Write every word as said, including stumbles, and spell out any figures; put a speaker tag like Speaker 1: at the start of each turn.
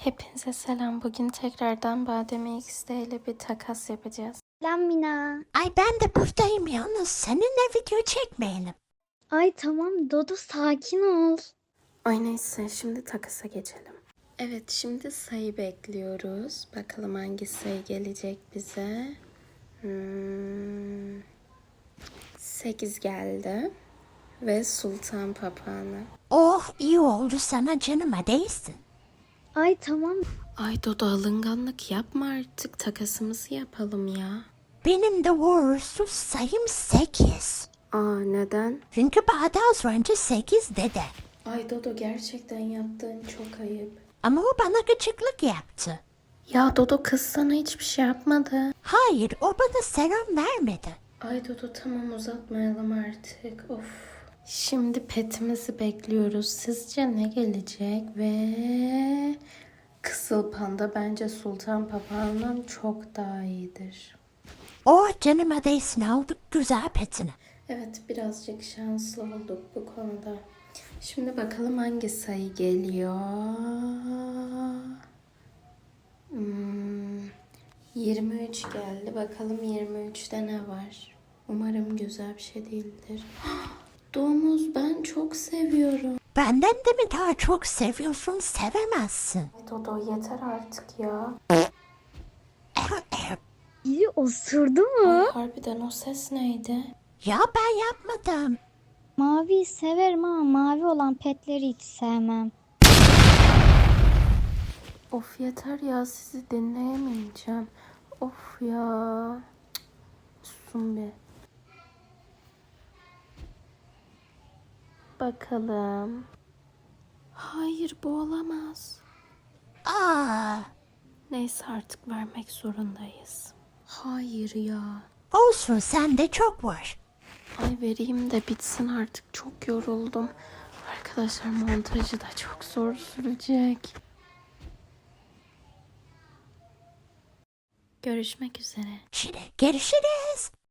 Speaker 1: Hepinize selam. Bugün tekrardan Badem X'de ile bir takas yapacağız.
Speaker 2: Selam Mina.
Speaker 3: Ay ben de buradayım yalnız seninle video çekmeyelim.
Speaker 2: Ay tamam Dodo sakin ol.
Speaker 1: Ay neyse şimdi takasa geçelim. Evet şimdi sayı bekliyoruz. Bakalım hangi sayı gelecek bize. Hmm, sekiz geldi. Ve Sultan Papağanı.
Speaker 3: Oh iyi oldu sana canıma değsin.
Speaker 2: Ay tamam.
Speaker 1: Ay Dodo alınganlık yapma artık. Takasımızı yapalım ya.
Speaker 3: Benim de uğursuz sayım sekiz.
Speaker 1: Aa neden?
Speaker 3: Çünkü bana az önce sekiz dedi.
Speaker 1: Ay Dodo gerçekten yaptığın çok ayıp.
Speaker 3: Ama o bana gıcıklık yaptı.
Speaker 1: Ya Dodo kız sana hiçbir şey yapmadı.
Speaker 3: Hayır o bana selam vermedi.
Speaker 1: Ay Dodo tamam uzatmayalım artık. Of. Şimdi petimizi bekliyoruz. Sizce ne gelecek? Ve Kızıl Panda bence Sultan Papağan'dan çok daha iyidir.
Speaker 3: Oh canıma değsin aldık güzel petini.
Speaker 1: Evet birazcık şanslı olduk bu konuda. Şimdi bakalım hangi sayı geliyor. Hmm, yirmi üç geldi. Bakalım yirmi üçte ne var? Umarım güzel bir şey değildir. Domuz ben çok seviyorum.
Speaker 3: Benden de mi daha çok seviyorsun sevemezsin.
Speaker 1: Ay Dodo yeter artık ya.
Speaker 2: Biri osurdu
Speaker 1: Ay
Speaker 2: mu?
Speaker 1: harbiden o ses neydi?
Speaker 3: Ya ben yapmadım.
Speaker 2: Maviyi severim ama mavi olan petleri hiç sevmem.
Speaker 1: Of yeter ya sizi dinleyemeyeceğim. Of ya. Cık, susun bir. Bakalım. Hayır bu olamaz.
Speaker 3: Aa,
Speaker 1: Neyse artık vermek zorundayız. Hayır ya.
Speaker 3: olsun sende çok var.
Speaker 1: Ay vereyim de bitsin artık. Çok yoruldum. Arkadaşlar montajı da çok zor sürecek. Görüşmek üzere.
Speaker 3: Şimdi görüşürüz.